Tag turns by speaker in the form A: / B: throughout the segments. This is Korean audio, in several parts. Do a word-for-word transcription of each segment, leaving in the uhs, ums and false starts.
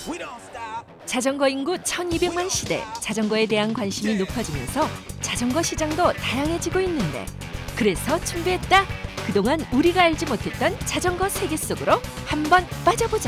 A: 자전거 인구 천이백만 시대, 자전거에 대한 관심이 높아지면서 자전거 시장도 다양해지고 있는데, 그래서 준비했다. 그동안 우리가 알지 못했던 자전거 세계 속으로 한번 빠져보자.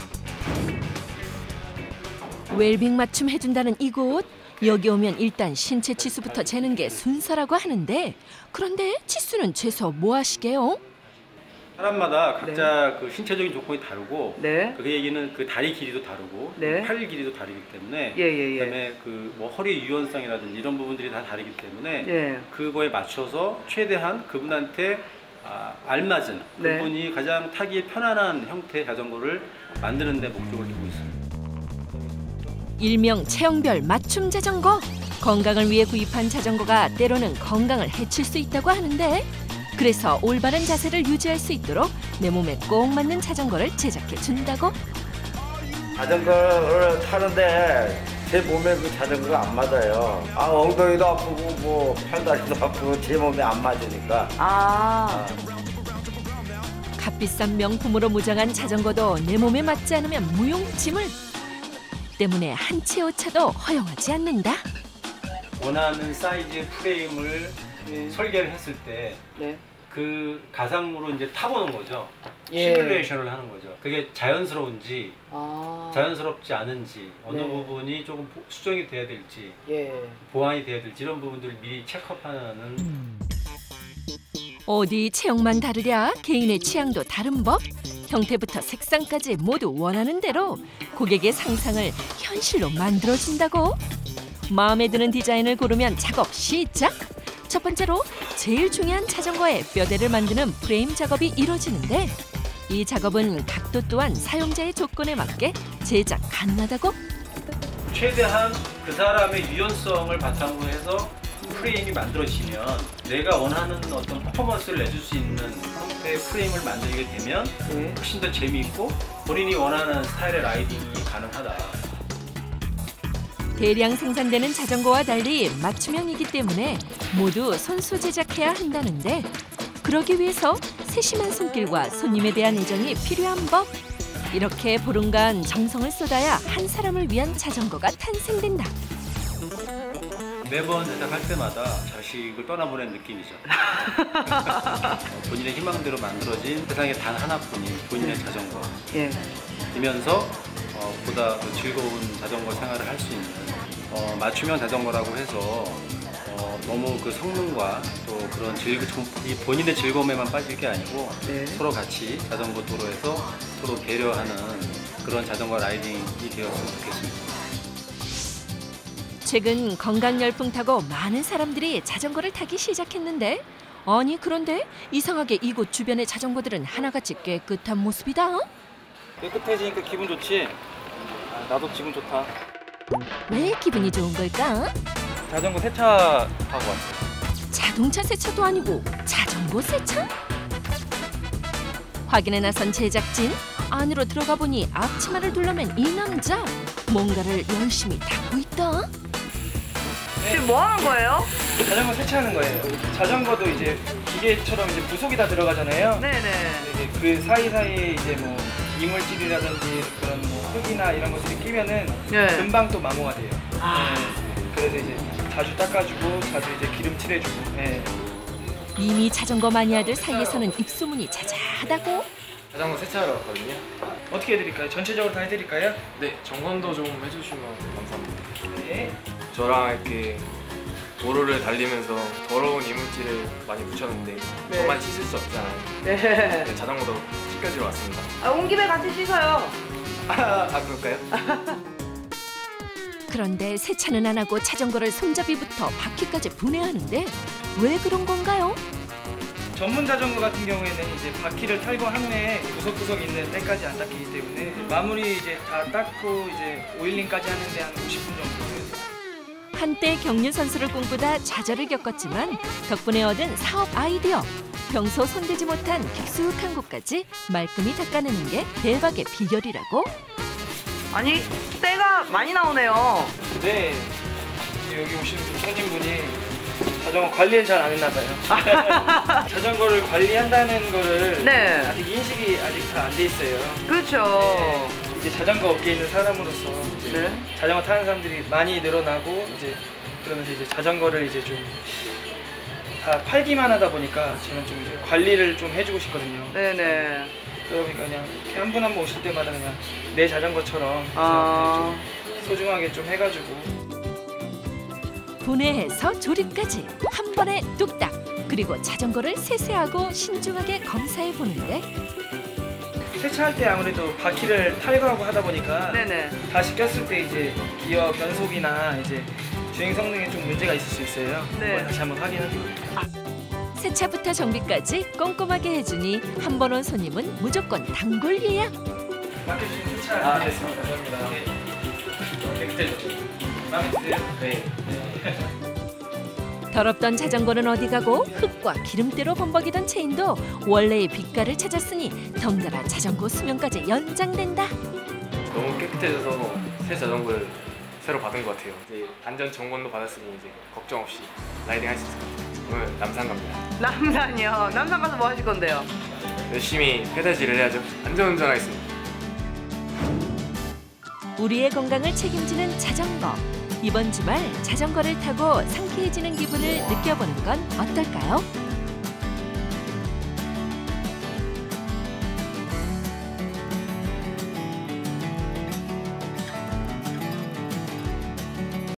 A: 웰빙 맞춤 해준다는 이곳. 여기 오면 일단 신체 치수부터 재는 게 순서라고 하는데, 그런데 치수는 재서 뭐 하시게요?
B: 사람마다 각자
C: 네.
B: 그 신체적인 조건이 다르고,
C: 네.
B: 그 얘기는 그 다리 길이도 다르고,
C: 네.
B: 팔 길이도 다르기 때문에,
C: 예, 예, 예.
B: 그다음에 그 뭐 허리 유연성이라든지 이런 부분들이 다 다르기 때문에
C: 예.
B: 그거에 맞춰서 최대한 그분한테 아, 알맞은,
C: 네.
B: 그분이 가장 타기에 편안한 형태의 자전거를 만드는 데 목적을 두고 있습니다.
A: 일명 체형별 맞춤 자전거. 건강을 위해 구입한 자전거가 때로는 건강을 해칠 수 있다고 하는데, 그래서 올바른 자세를 유지할 수 있도록 내 몸에 꼭 맞는 자전거를 제작해 준다고.
D: 자전거를 타는데 제 몸에 그 자전거가 안 맞아요. 아, 엉덩이도 아프고 뭐 팔다리도 아프고 제 몸에 안 맞으니까.
C: 아.
A: 값비싼 명품으로 무장한 자전거도 내 몸에 맞지 않으면 무용지물. 때문에 한 채 오차도 허용하지 않는다.
B: 원하는 사이즈의 프레임을
C: 네.
B: 설계를 했을 때
C: 네.
B: 그 가상으로 이제 타보는 거죠.
C: 예.
B: 시뮬레이션을 하는 거죠. 그게 자연스러운지
C: 아.
B: 자연스럽지 않은지, 어느
C: 네.
B: 부분이 조금 수정이 돼야 될지,
C: 예.
B: 보완이 돼야 될지 이런 부분들을 미리 체크업하는.
A: 어디 체형만 다르랴 개인의 취향도 다른 법. 형태부터 색상까지 모두 원하는 대로 고객의 상상을 현실로 만들어준다고. 마음에 드는 디자인을 고르면 작업 시작. 첫 번째로 제일 중요한 자전거의 뼈대를 만드는 프레임 작업이 이루어지는데, 이 작업은 각도 또한 사용자의 조건에 맞게 제작 가능하다고.
B: 최대한 그 사람의 유연성을 바탕으로 해서 프레임이 만들어지면 내가 원하는 어떤 퍼포먼스를 내줄 수 있는 형태의 프레임을 만들게 되면
C: 네.
B: 훨씬 더 재미있고 본인이 원하는 스타일의 라이딩이 가능하다.
A: 대량 생산되는 자전거와 달리 맞춤형이기 때문에 모두 손수 제작해야 한다는데, 그러기 위해서 세심한 손길과 손님에 대한 애정이 필요한 법. 이렇게 보름간 정성을 쏟아야 한 사람을 위한 자전거가 탄생된다.
B: 매번 제작할 때마다 자식을 떠나보낸 느낌이죠. 본인의 희망대로 만들어진 세상에 단 하나뿐인 본인의 자전거.
C: 예.
B: 이면서 어, 보다 더 즐거운 자전거 생활을 할 수 있는 어, 맞춤형 자전거라고 해서 어, 너무 그 성능과 또 그런 즐, 이 본인의 즐거움에만 빠질 게 아니고
C: 네.
B: 서로 같이 자전거 도로에서 서로 배려하는 그런 자전거 라이딩이 되었으면 좋겠습니다.
A: 최근 건강 열풍 타고 많은 사람들이 자전거를 타기 시작했는데, 아니 그런데 이상하게 이곳 주변의 자전거들은 하나같이 깨끗한 모습이다.
B: 깨끗해지니까 기분 좋지? 나도 기분 좋다.
A: 왜 기분이 좋은 걸까?
B: 자전거 세차 하고 왔어.
A: 자동차 세차도 아니고 자전거 세차? 확인에 나선 제작진. 안으로 들어가 보니 앞치마를 둘러맨 이 남자. 뭔가를 열심히 닦고 있다.
C: 지금 뭐 하는 거예요?
E: 자전거 세차하는 거예요. 자전거도 이제 기계처럼 이제 부속이 다 들어가잖아요.
C: 네네.
E: 이제 그 사이사이에 이제 뭐 이물질이라든지 그런 뭐 흙이나 이런 것들이 끼면은
C: 네.
E: 금방 또 마모가 돼요.
C: 아.
E: 네. 그래서 이제 자주 닦아주고 자주 이제 기름 칠해주고. 네.
A: 이미 자전거 마니아들 사이에서는 입소문이 자자하다고.
F: 자전거 세차하러 왔거든요.
E: 어떻게 해드릴까요? 전체적으로 다 해드릴까요?
F: 네, 점검도 좀 해주시면 감사합니다.
E: 네.
F: 저랑 이렇게 도로를 달리면서 더러운 이물질을 많이 묻혔는데
C: 네.
F: 저만 씻을 수 없잖아요.
C: 네.
F: 네, 자전거도 씻겨주러 왔습니다.
C: 아, 온 김에 같이 씻어요.
F: 아, 아 그럴까요?
A: 그런데 세차는 안 하고 자전거를 손잡이부터 바퀴까지 분해하는데 왜 그런 건가요?
E: 전문 자전거 같은 경우에는 이제 바퀴를 탈거한 후에 구석구석 있는 때까지 안 닦이기 때문에 마무리 이제 다 닦고 이제 오일링까지 하는데 한 오십 분 정도 걸려요.
A: 한때 경륜 선수를 꿈꾸다 좌절을 겪었지만 덕분에 얻은 사업 아이디어. 평소 손대지 못한 깊숙한 곳까지 말끔히 닦아내는 게 대박의 비결이라고.
C: 아니, 때가 많이 나오네요.
E: 네. 여기 오신 손님분이 자전거 관리를 잘 안 했나 봐요. 자전거를 관리한다는 거를
C: 네.
E: 아직 인식이 아직 다 안 돼 있어요.
C: 그렇죠.
E: 네. 이제 자전거 업계에 있는 사람으로서 이제
C: 네.
E: 자전거 타는 사람들이 많이 늘어나고 이제 그러면서 이제 자전거를 이제 좀 다 팔기만 하다 보니까 저는 좀 이제 관리를 좀 해주고 싶거든요.
C: 네네.
E: 그러다 보니까 그냥 이렇게 한 분 한 분 오실 때마다 그냥 내 자전거처럼
C: 아.
E: 좀 소중하게 좀 해가지고.
A: 분해해서 조립까지 한 번에 뚝딱. 그리고 자전거를 세세하고 신중하게 검사해 보는데
E: 세차할 때 아무래도 바퀴를 탈거하고 하다 보니까
C: 네네.
E: 다시 꼈을 때 이제 기어 변속이나 이제 주행 성능에 좀 문제가 있을 수 있어요.
C: 네.
E: 그걸 다시 한번 확인하고.
A: 세차부터 정비까지 꼼꼼하게 해주니 한 번 온 손님은 무조건 단골 예약.
E: 맡겨주신 세차 아, 됐습니다. 감사합니다. 네. 깨끗해졌죠? 마음에 드세요? 네.
A: 더럽던 자전거는 어디 가고 흙과 기름때로 범벅이던 체인도 원래의 빛깔을 찾았으니 덩달아 자전거 수명까지 연장된다.
F: 너무 깨끗해져서 새 자전거를 새로 받은 것 같아요. 이제 안전 점검도 받았으니 이제 걱정 없이 라이딩 할 수 있을 것 같아요. 오늘 남산 갑니다.
C: 남산이요. 남산 가서 뭐 하실 건데요?
F: 열심히 페달질을 해야죠. 안전운전 하겠습니다.
A: 우리의 건강을 책임지는 자전거. 이번 주말 자전거를 타고 상쾌해지는 기분을 느껴보는 건 어떨까요?